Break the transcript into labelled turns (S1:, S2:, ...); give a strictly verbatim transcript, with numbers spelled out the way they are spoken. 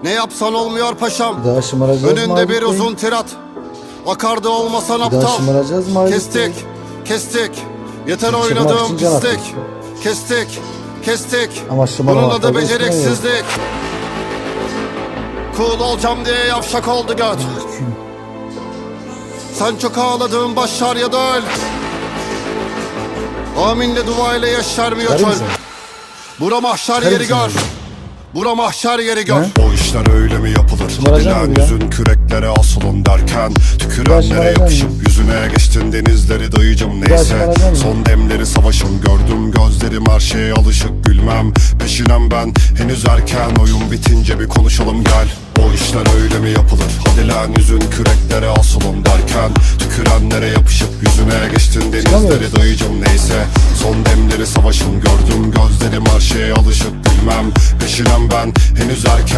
S1: Ne yapsan olmuyor paşam.
S2: Bir daha şımaracağız mı
S1: Önünde
S2: Halit
S1: bir
S2: Bey?
S1: uzun tirat. Akardı olmasan
S2: Bir daha
S1: aptal.
S2: şımaracağız mı Halit
S1: Kestik,
S2: Bey?
S1: kestik. Yeter
S2: Çıkmak
S1: oynadığım
S2: için can
S1: pislik.
S2: atıyorsun.
S1: Kestik, kestik.
S2: Ama
S1: Bunun
S2: şımarmakta
S1: adı
S2: da üstüne yok.
S1: beceriksizlik. Cool olacağım diye yavşak oldu göt. Sen çok ağladın, başar ya da öl. Aminle duayla yeşermiyor
S2: Çıkarır
S1: çöl.
S2: mısın?
S1: Bura mahşer
S2: Çıkarır
S1: yeri
S2: mısın
S1: gör.
S2: abi?
S1: Bura mahşer yeri gör.
S2: He?
S3: O işler öyle mi yapılır?
S2: Şımaracak
S3: Hadilen
S2: mı ya?
S3: yüzün küreklere asılın derken Tükürenlere
S2: şımaracak
S3: yapışıp
S2: mı?
S3: yüzüne geçtin denizleri dayıcım
S2: daha
S3: neyse
S2: şımaracak mı?
S3: Son demleri savaşım gördüm gözlerim her şeye alışık gülmem Peşinem ben henüz erken oyun bitince bir konuşalım gel O işler öyle mi yapılır? Hadilen yüzün küreklere asılın derken Tükürenlere yapışıp yüzüne geçtin denizleri
S2: Çıkamıyoruz.
S3: dayıcım neyse Son demleri savaşım gördüm gözlerim her şeye alışık gülmem Peşinem ben henüz erken